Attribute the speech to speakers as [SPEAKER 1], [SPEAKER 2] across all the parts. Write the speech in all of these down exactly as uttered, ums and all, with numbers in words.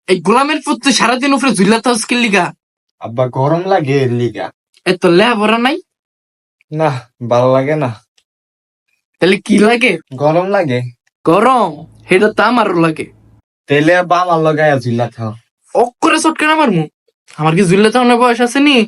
[SPEAKER 1] এই গোলামের পুত তুই সারাদিন উপরে ঝুলা থাকস কি লিগা?
[SPEAKER 2] আব্বা গরম লাগে এর লিগা।
[SPEAKER 1] এত লেহাপড়া নাই?
[SPEAKER 2] না, ভালো লাগে না।
[SPEAKER 1] তাহলে কি লাগে?
[SPEAKER 2] গরম লাগে।
[SPEAKER 1] গরম সেটা তো আমারও লাগে।
[SPEAKER 2] তেলে আব্বা আমার লগায় ঝুলা থাও।
[SPEAKER 1] অক করে চটকান আমার মুখ। আমার কি ঝুলে থাকানোর বয়স আছে নি?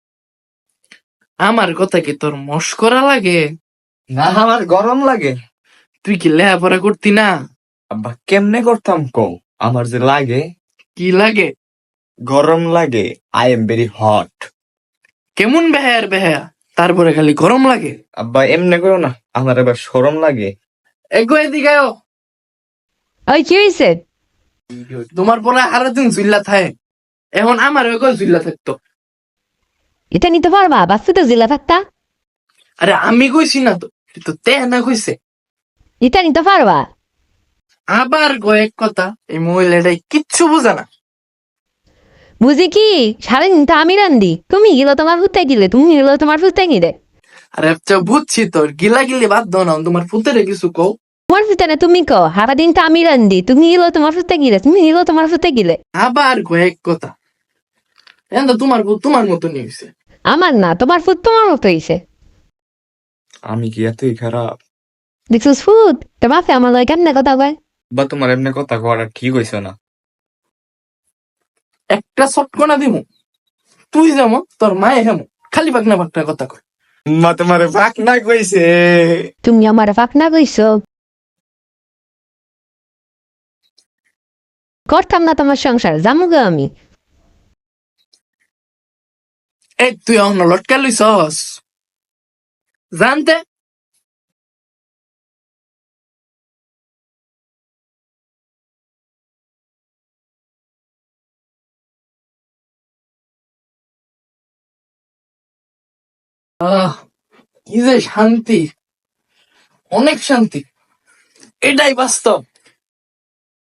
[SPEAKER 1] আমার কথা কি তোর মস্করা লাগে?
[SPEAKER 2] না, আমার গরম লাগে।
[SPEAKER 1] তুই কি লেহাপড়া করতি না?
[SPEAKER 2] আব্বা কেমনে করতাম কও? আমার যে লাগে,
[SPEAKER 1] কি লাগে?
[SPEAKER 2] গরম লাগে। I am very hot.
[SPEAKER 1] কেমন বেহায়ার বেহায়া, তারপরে খালি গরম লাগে।
[SPEAKER 2] আব্বা এমনে করো না, আমার এবার শরম লাগে।
[SPEAKER 1] এগো এদিকে আও।
[SPEAKER 3] ওই কি হয়েছে?
[SPEAKER 1] তোমার পরে আরো দিন ঝুল্লা থাকে, এখন আমার ওই ঝুল্লা থাকতো।
[SPEAKER 3] এটা নিতে পারবা? বাচ্চা তো জিলা থাকতা।
[SPEAKER 1] আরে আমি কইছি না তো, তো তে না কইছে।
[SPEAKER 3] এটা নিতে পারবা?
[SPEAKER 1] আবার কয়েক কথা, এই মহিলাটাই কিচ্ছু বোঝে না।
[SPEAKER 3] বুঝি কি, সারাদিন তো আমি রান্ধি, তুমি গেলো তোমার ফুটে গিলে, তুমি গেলো তোমার ফুটে গিলে।
[SPEAKER 1] আরে আচ্ছা বুঝছি, তোর গিলা গিলি বাদ দাও না, তোমার পুতেরে কিছু কও।
[SPEAKER 3] তোমার ফুটে না তুমি কো, সারাদিন তো আমি রান্ধি, তুমি গেলো তোমার ফুটে গিলে, তুমি গেলো তোমার ফুটে গিলে।
[SPEAKER 1] আবার কয়েক কথা, এখন তো তোমার পুত তোমার মতো নিয়েছে।
[SPEAKER 3] আমার না, তোমার ফুট তোমার মতো হয়েছে।
[SPEAKER 2] আমি কি এতই খারাপ?
[SPEAKER 3] দেখছিস ফুট, তোমার ফে আমার লয় কেমনে কথা কয়।
[SPEAKER 2] বা তোমার এমনি কথা করা ঠিক হইছে না।
[SPEAKER 1] একটা চটকনা দিমু, তুই যেমন তোর মায়ে হেমন খালি পাকনা পাকনা কথা কয়।
[SPEAKER 2] মা তোমারে ফাঁক না কইছে।
[SPEAKER 3] তুমি আমার ফাঁক না কইছো। করতাম না তোমার সংসার, জামুগো আমি।
[SPEAKER 1] এই তুই এখন লটকা লইছস জানতে। আহ কি যে শান্তি, অনেক শান্তি, এটাই বাস্তব।